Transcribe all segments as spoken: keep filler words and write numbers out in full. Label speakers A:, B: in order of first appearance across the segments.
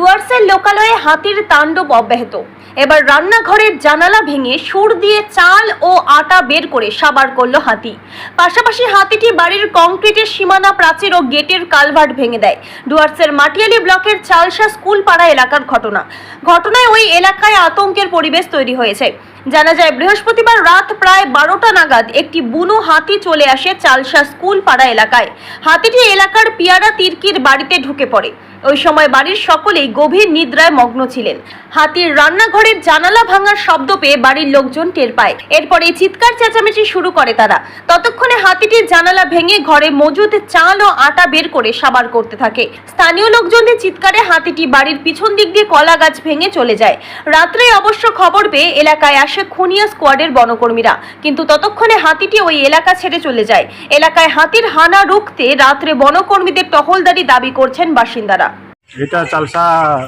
A: ডুয়ার্সের লোকালয়ে হাতির তাণ্ডব অব্যাহত। এবার রান্নাঘরের জানালা ভেঙে সুর দিয়ে চাল ও আটা বের করে সাবার করল হাতি। পাশাপাশি হাতিটি বাড়ির কংক্রিটের সীমানা প্রাচীর ও গেটের কালভার্ট ভেঙে দেয়। ডুয়ার্সের মাটিয়ালি ব্লকের চালসা স্কুল পাড়া এলাকার ঘটনা। ঘটনায় ওই এলাকায় আতঙ্কের পরিবেশ তৈরি হয়েছে। জানা যায়, বৃহস্পতিবার রাত প্রায় বারোটা নাগাদ একটি বুনো হাতি চলে আসে চালসা স্কুল পাড়া এলাকায়। হাতিটি এলাকার পিয়ারা তির্কির বাড়িতে ঢুকে পড়ে। ওই সময় বাড়ির সকলেই গভীর নিদ্রায় মগ্ন ছিলেন। হাতির রান্নাঘরের জানালা ভাঙার শব্দ পেয়ে বাড়ির লোকজন টের পায়। এরপরে চিৎকার চেঁচামেচি শুরু করে তারা। ততক্ষণে হাতিটির জানালা ভেঙে ঘরে মজুদ চাল ও আটা বের করে সাবার করতে থাকে। স্থানীয় লোকজনদের চিৎকারে হাতিটি বাড়ির পিছন দিক দিয়ে কলা গাছ ভেঙে চলে যায়। রাত্রে অবশ্য খবর পেয়ে এলাকায় আসে খুনিয়া স্কোয়াডের বনকর্মীরা, কিন্তু ততক্ষণে হাতিটি ওই এলাকা ছেড়ে চলে যায়। এলাকায় হাতির হানা রুখতে রাত্রে বনকর্মীদের টহলদারি দাবি করছেন বাসিন্দারা।
B: এটা চালসা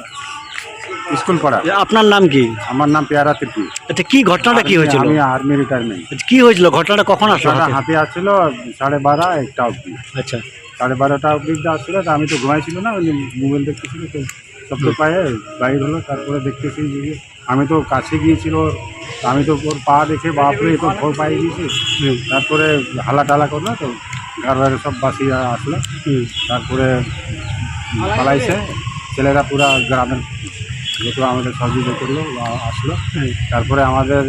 B: স্কুল পড়া।
C: আপনার নাম কি?
B: আমার নাম পেয়ারা তির্কি।
C: আচ্ছা, কি ঘটনাটা কি হয়েছিল?
B: আমি আর্মি রিটায়ারমেন্ট।
C: কি হয়েছিল ঘটনাটা? কখন আসলো?
B: হাতি আসছিল সাড়ে বারো একটা অবধি।
C: আচ্ছা,
B: সাড়ে বারোটা অবধি আসছিল, তো আমি তো ঘুমাইছিল না, ওই মোবাইল দেখতেছিল, তো শব্দ পায়ে বাইর হলো। তারপরে দেখতেছি যে আমি তো কাছে গিয়েছিল, আমি তো ওর পা দেখে বাপরে তো ভোর পায়ে গিয়েছি। তারপরে হালা টালা করলো, তো ঘর বাইরে সব বাসিয়া আসলো। তারপরে পালাইছে ছেলেরা, পুরা গ্রামের যত আমাদের সহযোগিতা করলো আসলো। তারপরে আমাদের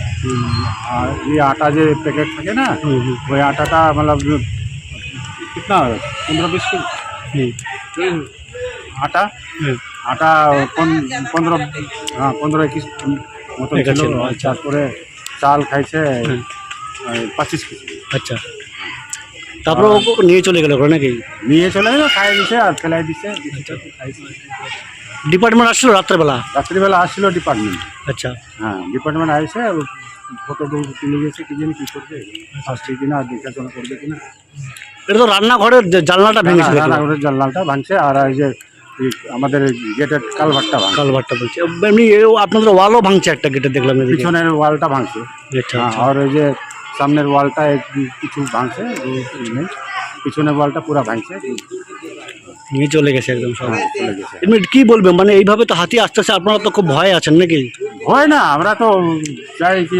B: এই আটা যে প্যাকেট থাকে না, ওই আটাটা মানে কিতনা পনেরো বিশ কিলো আটা আটা পনেরো হ্যাঁ পনেরো একুশ মতো ছিল। তারপরে চাল খাইছে পঁচিশ কেজি।
C: আচ্ছা, তারপরে ও নিয়ে চলে গেল নাকি?
B: নিয়ে চলে গেল, খাই দিছে আর ফেলাই দিছে।
C: ডিপার্টমেন্ট আসছিল রাত্রেবেলা?
B: রাত্রিবেলা আসছিল ডিপার্টমেন্ট।
C: আচ্ছা,
B: হ্যাঁ ডিপার্টমেন্ট আসছে, ফটো তুলে গেছে, কি জানি কী করবে, আসছে কিনা, দেখাশোনা করবে কিনা।
C: এটা তো রান্নাঘরের জানলাটা ভেঙেছিল।
B: রান্নাঘরের জানলাটা ভাঙছে, আর এই যে আমাদের গেটের কালভারটা ভাঙছে।
C: কালভারটা ভাঙছে, এমনি আপনাদের ওয়ালও ভাঙছে, একটা গেটে দেখলাম।
B: পিছনের ওয়ালটা ভাঙছে।
C: আচ্ছা,
B: আর ওই যে সামনের ওয়ালটা কিছু ভাঙছে, পিছনের ওয়ালটা পুরো ভাঙছে,
C: নিয়ে চলে গেছে একদম সব।
B: চলে গেছে।
C: এমনি কি বলবেন, মানে এইভাবে তো হাতি আসতেছে, আপনারা তো খুব ভয় আছেন নাকি?
B: হয় না, আমরা তো চাই কি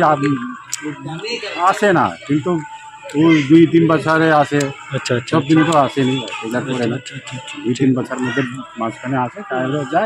B: আসে না, কিন্তু ওই দুই তিন বছরে আসে।
C: আচ্ছা আচ্ছা,
B: সব দিনই তো আসেনি, করে না। দুই তিন বছর মধ্যে মাঝখানে আসে, তাহলে যায়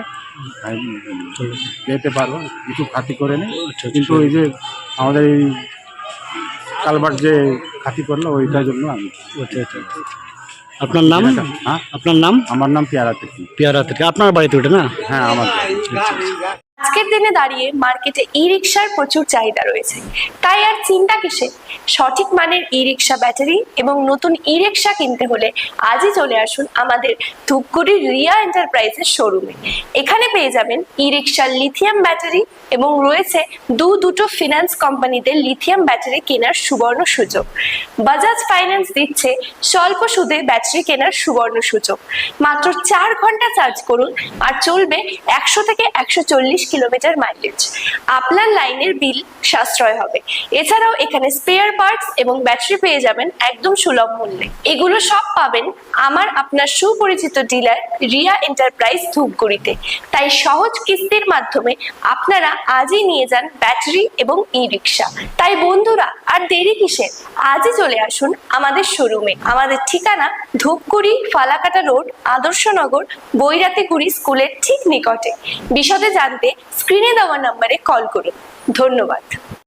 B: যেতে পারবো, কিছু খাতি করে নেই। কিন্তু ওই যে আমাদের এই কালভার্ট যে খাতি করলো, ওইটার জন্য আমি।
C: আচ্ছা আচ্ছা, আপনার নাম?
B: হ্যাঁ,
C: আপনার নাম?
B: আমার নাম পেয়ারা তির্কি।
C: পেয়ারা থেকে আপনার বাড়িতে ওঠে না?
B: হ্যাঁ, আমার।
A: আজকের দিনে দাঁড়িয়ে মার্কেটে ই রিক্সার প্রচুর চাহিদা রয়েছে, তাই আর চিন্তা কিসে? সঠিক মানের ই রিক্সা ব্যাটারি এবং নতুন ই রিক্সা কিনতে হলে আজই চলে আসুন আমাদের ধূপগুড়ির রিয়া এন্টারপ্রাইজের শোরুমে। এখানে পেয়ে যাবেন ই রিক্সার লিথিয়াম ব্যাটারি এবং রয়েছে দু দুটো ফিনান্স কোম্পানিতে লিথিয়াম ব্যাটারি কেনার সুবর্ণ সুযোগ। বাজাজ ফাইন্যান্স দিচ্ছে স্বল্প সুদে ব্যাটারি কেনার সুবর্ণ সুযোগ। মাত্র চার ঘন্টা চার্জ করুন আর চলবে একশো থেকে একশো চল্লিশ কিলোমিটার মাইলেজ। আপনার লাইনের বিল সাশ্রয় হবে। এছাড়াও এখানে স্পেয়ার পার্টস এবং ব্যাটারি পেয়ে যাবেন একদম সুলভ মূল্যে। এগুলো সব পাবেন আমার আপনার সুপরিচিত ডিলার রিয়া এন্টারপ্রাইজ ধূপগুড়িতে। তাই সহজ কিস্তির মাধ্যমে আপনারা আজই নিয়ে যান ব্যাটারি এবং ই রিক্সা। তাই বন্ধুরা, আর দেরি কিসের? আজই চলে আসুন আমাদের শোরুমে। আমাদের ঠিকানা ধূপগুড়ি ফালাকাটা রোড, আদর্শনগর, বৈরাতিগুড়ি স্কুলের ঠিক নিকটে। বিশদে জানতে স্ক্রিনে দেওয়া নম্বরে কল করুন। ধন্যবাদ।